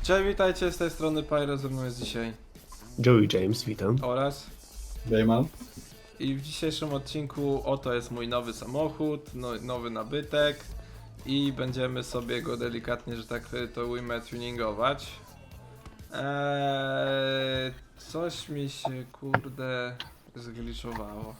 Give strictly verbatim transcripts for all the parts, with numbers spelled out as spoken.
Cześć, witajcie, z tej strony Pyro, ze mną jest dzisiaj Joey James, witam. oraz Dayman. i w dzisiejszym odcinku oto jest mój nowy samochód, no, nowy nabytek i będziemy sobie go delikatnie, że tak to ujmę, tuningować. Eee, coś mi się kurde zgliczowało.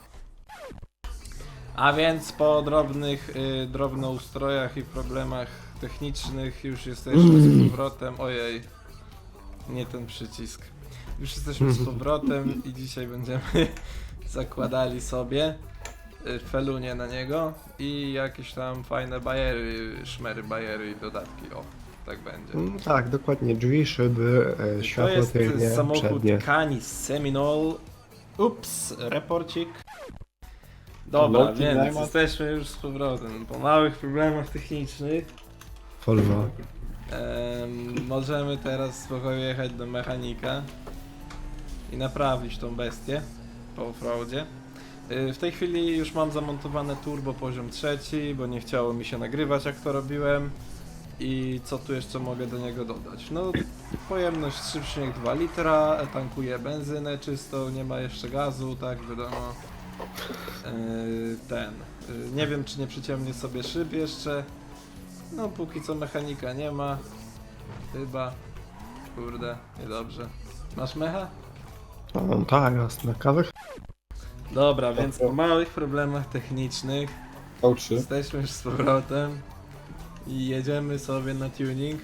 A więc po drobnych y, drobnoustrojach i problemach technicznych już jesteśmy z powrotem. Ojej, nie ten przycisk. Już jesteśmy z powrotem i dzisiaj będziemy zakładali sobie y, felunie na niego i jakieś tam fajne bajery, szmery, bajery i dodatki. O, tak będzie. Mm, Tak, dokładnie, drzwi, szyby, e, To światło jest tylnie, samochód przednie. Canis Seminole. Ups, reporcik. Dobra, Lotnik więc Dayman. jesteśmy już z powrotem. Po małych problemach technicznych Volvo. em, możemy teraz spokojnie jechać do mechanika i naprawić tą bestię po offroadzie. Y, W tej chwili już mam zamontowane turbo poziom trzeci, bo nie chciało mi się nagrywać jak to robiłem. I co tu jeszcze mogę do niego dodać? No, pojemność trzy przecinek dwa litra, tankuje benzynę czystą, nie ma jeszcze gazu, tak wiadomo. Yy, ten. Yy, nie wiem, czy nie przyciemnię sobie szyb jeszcze. No, póki co mechanika nie ma. Chyba. Kurde, niedobrze. Masz mecha? O, tak, jasne, kawę. Dobra, więc po małych problemach technicznych V trzy. jesteśmy już z powrotem i jedziemy sobie na tuning.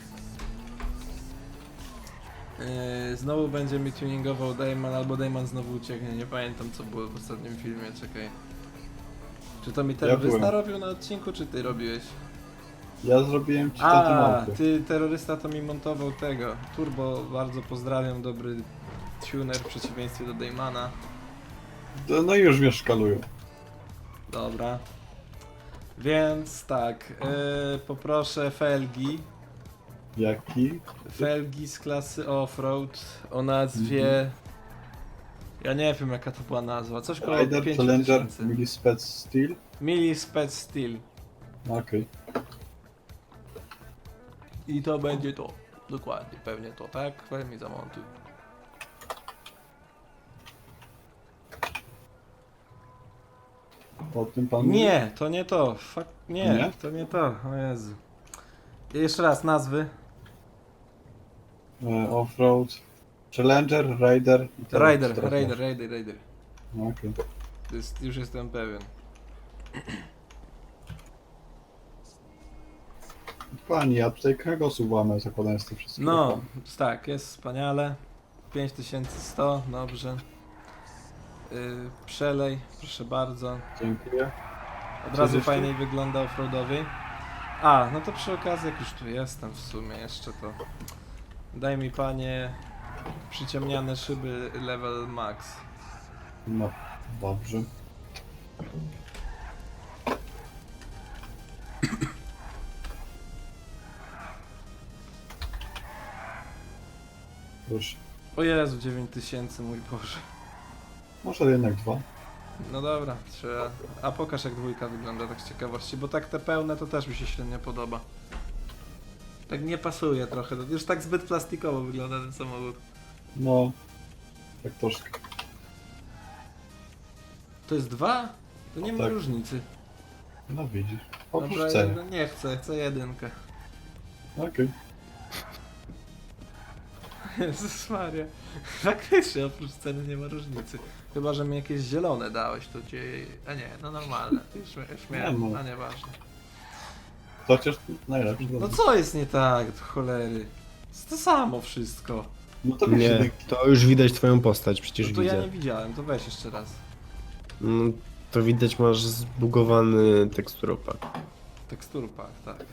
Yy, znowu będzie mi tuningował Dayman, albo Dayman znowu ucieknie, nie pamiętam co było w ostatnim filmie, czekaj. Czy to mi terrorysta byłem. robił na odcinku, czy ty robiłeś? Ja zrobiłem ci taką A, małpę. ty terrorysta to mi montował tego. Turbo, bardzo pozdrawiam, dobry tuner w przeciwieństwie do Daymana. No, no i już mnie szkalują. Dobra. Więc tak, yy, poproszę felgi. Jaki? Felgi z klasy Offroad o nazwie... Ja nie wiem jaka to była nazwa, coś koło Rider, pięć Challenger, tysięcy. Millispec Steel. Mili Spec Steel. Okej. I to będzie to. Dokładnie, pewnie to, tak? Weź mi zamontuj. O tym pan mówi? Nie, to nie to. Fuck, nie, Nie? to nie to. O Jezu. Jeszcze raz nazwy. E, Offroad. Challenger, Rider. i teraz Raider, teraz Raider, masz. Raider, Raider. No, Okej. To jest, już jestem pewien. Pani, ja tutaj kręgosłup łamę zakładając to wszystko. No, tak, jest wspaniale. pięć tysięcy sto, dobrze. Yy, przelej, proszę bardzo. Dziękuję. Od Co razu jeszcze? fajniej wygląda offroadowy. A, no to przy okazji, jak już tu jestem w sumie jeszcze, to daj mi panie przyciemniane szyby level max. No, dobrze. Proszę. O Jezu, dziewięć tysięcy, mój Boże. Może jednak dwa. No dobra, trzeba... A pokaż jak dwójka wygląda, tak z ciekawości, bo tak te pełne to też mi się średnio podoba. Tak nie pasuje trochę, to już tak zbyt plastikowo wygląda ten samochód. No, tak troszkę. To jest dwa? To nie ma Tak. różnicy. No widzisz. Oprócz Dobra, ceny. no nie chcę, chcę jedynkę. Okej. Jezus Maria. Faktycznie oprócz ceny nie ma różnicy. Chyba, że mi jakieś zielone dałeś, to cię... A nie, no normalne. Już, już miałem, Nie, no. a nieważne. Chociaż najlepszy. No co jest nie tak, do cholery? Jest to samo wszystko. No to wiesz, Nie, jedynki. to już widać twoją postać, przecież No to ja widzę. nie widziałem, to weź jeszcze raz. No, to widać, masz zbugowany teksturopak. Teksturpak, tak.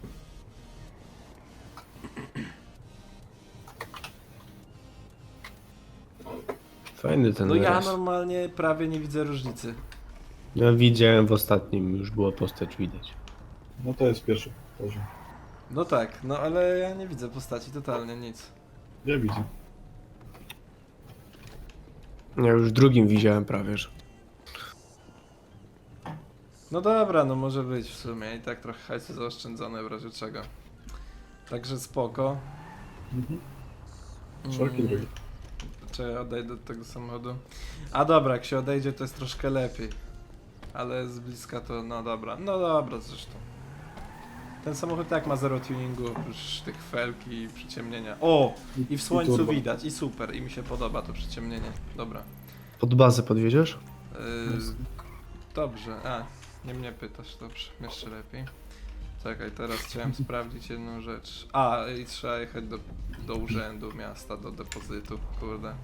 Fajny ten No ja raz. normalnie prawie nie widzę różnicy. Ja widziałem w ostatnim, już była postać widać. No to jest pierwszy poziom. No tak, no ale ja nie widzę postaci totalnie, nic. Ja widzę. Ja już w drugim widziałem prawie, że. No dobra, no może być w sumie i tak trochę hajsu zaoszczędzone w razie czego. Także spoko. Mhm. Szeroki drogi. Czy odejdę od tego samochodu? A dobra, jak się odejdzie to jest troszkę lepiej. Ale z bliska to, no dobra, no dobra zresztą. Ten samochód tak ma zero tuningu, oprócz tych felk i przyciemnienia. O! I w słońcu turbo. widać, i super, i mi się podoba to przyciemnienie. Dobra. Pod bazę podwiedziesz? Yy, dobrze, a, nie mnie pytasz, dobrze, jeszcze lepiej. Czekaj, teraz chciałem sprawdzić jedną rzecz. A, i trzeba jechać do, do urzędu miasta, do depozytu, kurde.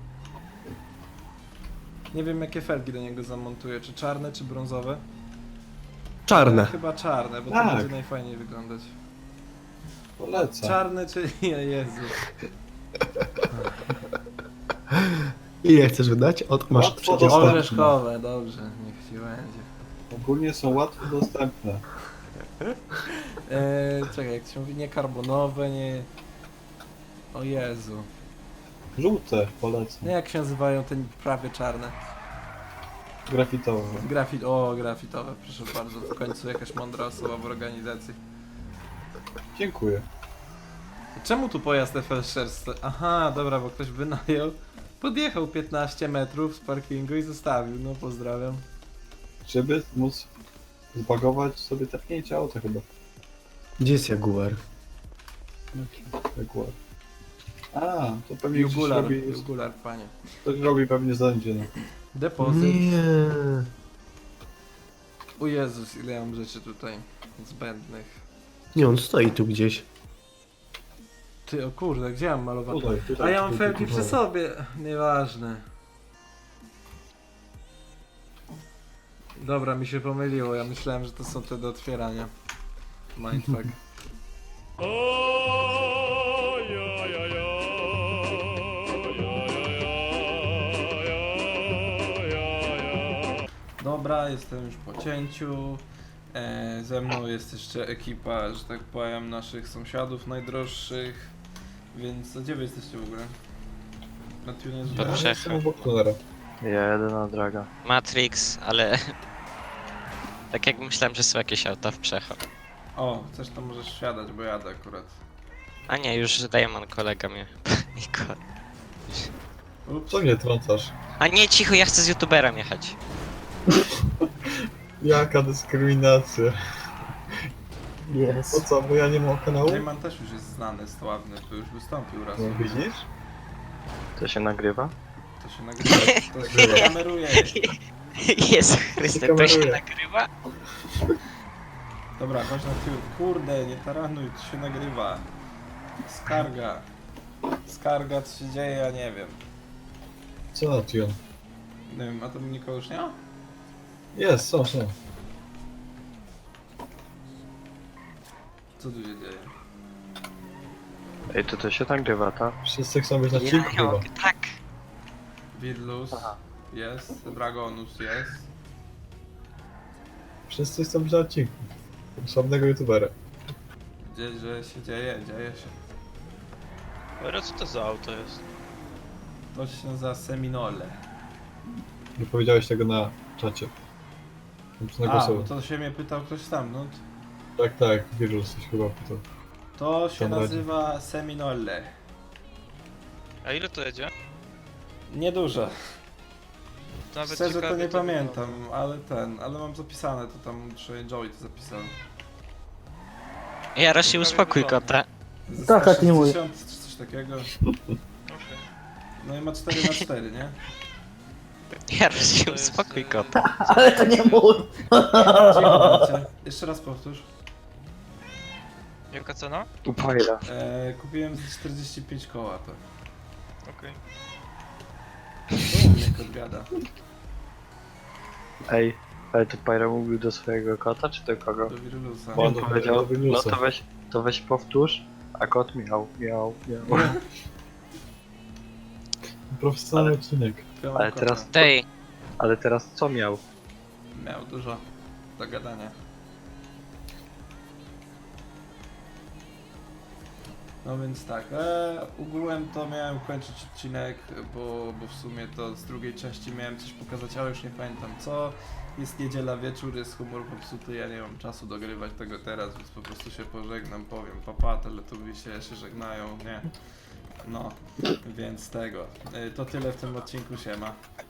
Nie wiem jakie felgi do niego zamontuję, czy czarne, czy brązowe? Czarne. Chyba czarne, bo to Tak. będzie najfajniej wyglądać. Polecam. Czarne, czyli Jezu. Ile chcesz wydać? Od masz Łatwo przecież. dostępne. Orzeszkowe, dobrze, niech ci będzie. Ogólnie są łatwo dostępne. Eee, czekaj, jak się mówi, nie karbonowe, nie... O Jezu. Żółte polecam. No jak się nazywają te prawie czarne? Grafitowe. Grafit, o grafitowe, proszę bardzo, w końcu jakaś mądra osoba w organizacji. Dziękuję. Czemu tu pojazd F L sześć? Aha, dobra, bo ktoś wynajął. Podjechał piętnaście metrów z parkingu i zostawił, no pozdrawiam. Żeby móc zbagować sobie tepnięcie auta chyba. Gdzie jest Jaguar? Jak ładnie. A, to pewnie gdzieś Jugular, robi, jugular, panie. ktoś robi pewnie zdjęcie. No. Depozyt. Nie. O Jezus, ile ja mam rzeczy tutaj zbędnych. Nie, on stoi tu gdzieś. Ty, o kurde, gdzie mam malować? Tutaj, tutaj. A ja mam tutaj, felki tutaj. przy sobie, nieważne. Dobra, mi się pomyliło, ja myślałem, że to są te do otwierania. Mindfuck. Dobra, jestem już po cięciu. E, ze mną jest jeszcze ekipa, że tak powiem, naszych sąsiadów najdroższych. Więc a gdzie wy jesteście w ogóle? Na tunerze? To Ja Czechy. jestem obok tunera. Jedyna droga. Matrix, ale... tak jak myślałem, że są jakieś auta w Przecho. O, chcesz to możesz wsiadać, bo jadę akurat. A nie, już Dajman kolega mnie. I ko- Ups. Co mnie trącasz? A nie, cicho, ja chcę z youtuberem jechać. Jaka dyskryminacja. Po co, bo ja nie mam kanału? Rayman też już jest znany, sławny, to już wystąpił raz. No widzisz? To się nagrywa? To się nagrywa, to się kameruje. Jezu Chryste, to się kameruje. nagrywa? Dobra, chodź na tył. Kurde, nie taranuj, to się nagrywa. Skarga. Skarga, co się dzieje, ja nie wiem. Co na tune? Nie wiem, a to nikogo już nie ma? Jest, są, są. Co tu się dzieje? Ej, to to się nagrywa, tak? Wszyscy chcą być na Ja, odcinku chyba. tak. Wirlus jest, Dragonus jest. Wszyscy chcą być na odcinku. Słabnego youtubera. Gdzie, że się dzieje, dzieje się. Ale co to za auto jest? To się nazywa Seminole. Nie powiedziałeś tego na czacie. Muszę A, bo nagłosować. to się mnie pytał ktoś stamtąd. Tak, tak, wirus coś chyba pytał. To się Tam nazywa Seminole. A ile to jedzie? Niedużo. To nawet Szczerze to ciekawie nie wygląda. pamiętam, ale ten, ale mam zapisane, to tam muszę Joey to zapisał. Jaro się uspokój, kota. Tak, tak, nie mój. Czy coś takiego. Okej. No i ma cztery na cztery, nie? Jaro się To jest, uspokój, e, kota. Ale to nie mój! Cicho bądźcie. Jeszcze raz powtórz. Jaka cena? Upajda. E, kupiłem za czterdzieści pięć koła to. Okej. O, mnie kot gada. Ej, ale to Pyra mówił do swojego kota, czy do kogo? Do Wirulusa. Bo- On do- powiedział, do no Winusa. to weź, to weź powtórz, a kot miał, miał, miał. Profesjonalny odcinek. Kupiłem Ale kota. teraz- Dej, Ale teraz co miał? Miał dużo do gadania. No więc tak, e, ogółem to miałem kończyć odcinek, bo, bo w sumie to z drugiej części miałem coś pokazać, ale już nie pamiętam co. Jest niedziela wieczór, jest humor popsuty, ja nie mam czasu dogrywać tego teraz, więc po prostu się pożegnam, powiem papa, teletubisie się żegnają, nie. No, więc tego. Y, To tyle w tym odcinku, siema.